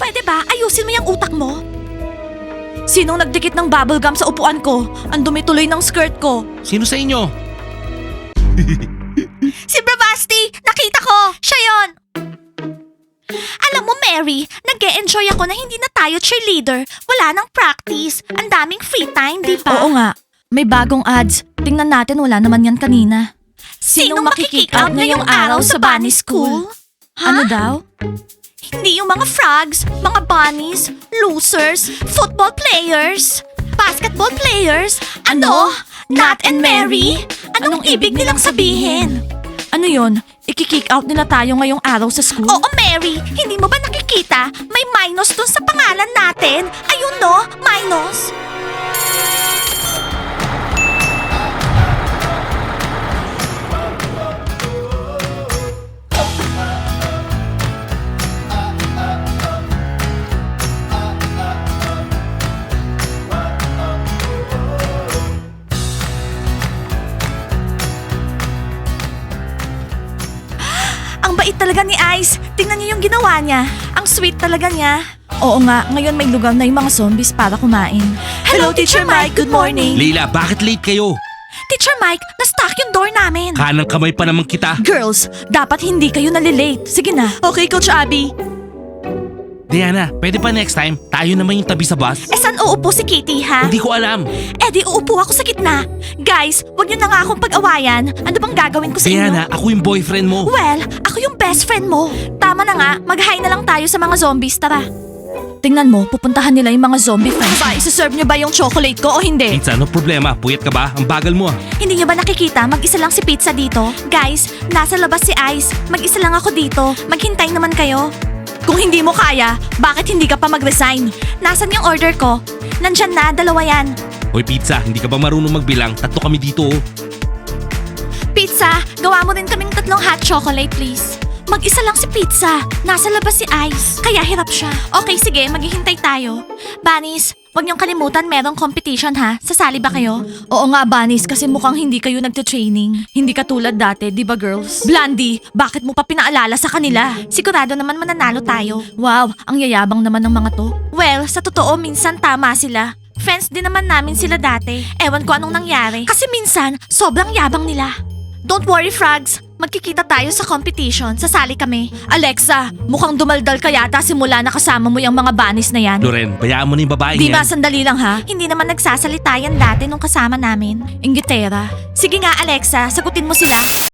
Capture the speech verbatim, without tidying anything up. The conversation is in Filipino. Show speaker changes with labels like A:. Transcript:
A: Pwede ba? Ayusin mo yung utak mo. Sinong nagdikit ng bubble gum sa upuan ko? Ang dumi tuloy ng skirt ko.
B: Sino sa inyo?
A: Si Bravasti! Nakita ko! Siya yon! Alam mo, Mary, nag-e-enjoy ako na hindi na tayo cheerleader. Wala nang practice. Ang daming free time, di ba? Oo nga. May bagong ads. Tingnan natin, wala naman yan kanina. Sinong makikick out ngayong araw sa bunny school? Ano daw? Hindi yung mga frogs, mga bunnies, losers, football players, basketball players. Ano? Nat and Mary? Anong ibig nilang sabihin? Ano yon? Iki-kick out nila tayo ngayong araw sa school? Oo, Mary. Hindi mo ba nakikita? May minus dun sa pangalan natin. Ayun no, minus. Ang bait talaga ni Ice. Tingnan niyo yung ginawa niya. Ang sweet talaga niya. Oo nga, ngayon may lugar na yung mga zombies para kumain. Hello, Teacher Mike. Good morning.
B: Leila, bakit late kayo?
A: Teacher Mike, na-stuck yung door namin.
B: Kanang kamay pa naman kita.
A: Girls, dapat hindi kayo nalilate. Sige na. Okay, Coach Abby.
B: Diana, pwede pa next time? Tayo naman yung tabi sa bus?
A: Eh, saan uupo si Kitty, ha?
B: Hindi ko alam.
A: Eh, di uupo ako sa gitna. Guys, wag niyo na nga akong pag-awayan. Ano bang gagawin ko sa inyo?
B: Diana, ako yung boyfriend mo.
A: Well, ako yung best friend mo. Tama na nga, mag-hi na lang tayo sa mga zombies, tara. Tingnan mo, pupuntahan nila yung mga zombie friends. Ba, isuserve niyo ba yung chocolate ko o hindi?
B: Pizza, ano problema? Puyat ka ba? Ang bagal mo ah.
A: Hindi niyo ba nakikita? Mag-isa lang si Pizza dito. Guys, nasa labas si Ice. Mag-isa lang ako dito. Maghintay naman kayo. Kung hindi mo kaya, bakit hindi ka pa mag-resign? Nasaan yung order ko? Nandyan na, dalawa yan.
B: Hoy Pizza, hindi ka ba marunong magbilang? Tatlo kami dito oh.
A: Pizza, gawa mo rin kaming tatlong hot chocolate, please. Mag-isa lang si Pizza. Nasa labas si Ice. Kaya hirap siya. Okay, sige. Maghihintay tayo. Bunnies, huwag niyong kalimutan merong competition ha. Sasali ba kayo? Oo nga, Bunnies, kasi mukhang hindi kayo nagte-training. Hindi katulad dati, di ba girls? Blandy, bakit mo pa pinaalala sa kanila? Sigurado naman mananalo tayo. Wow, ang yayabang naman ng mga to. Well, sa totoo, minsan tama sila. Friends din naman namin sila dati. Ewan ko anong nangyari. Kasi minsan, sobrang yabang nila. Don't worry, Frogs. Magkikita tayo sa competition. Sasali kami. Alexa, mukhang dumaldal ka yata simula na kasama mo yung mga bunnies na yan.
B: Loren, bayaan mo na yung babae
A: Di
B: yan.
A: ba, sandali lang ha? Hindi naman nagsasalita yan dati nung kasama namin. Inggitera. Sige nga, Alexa, sagutin mo sila.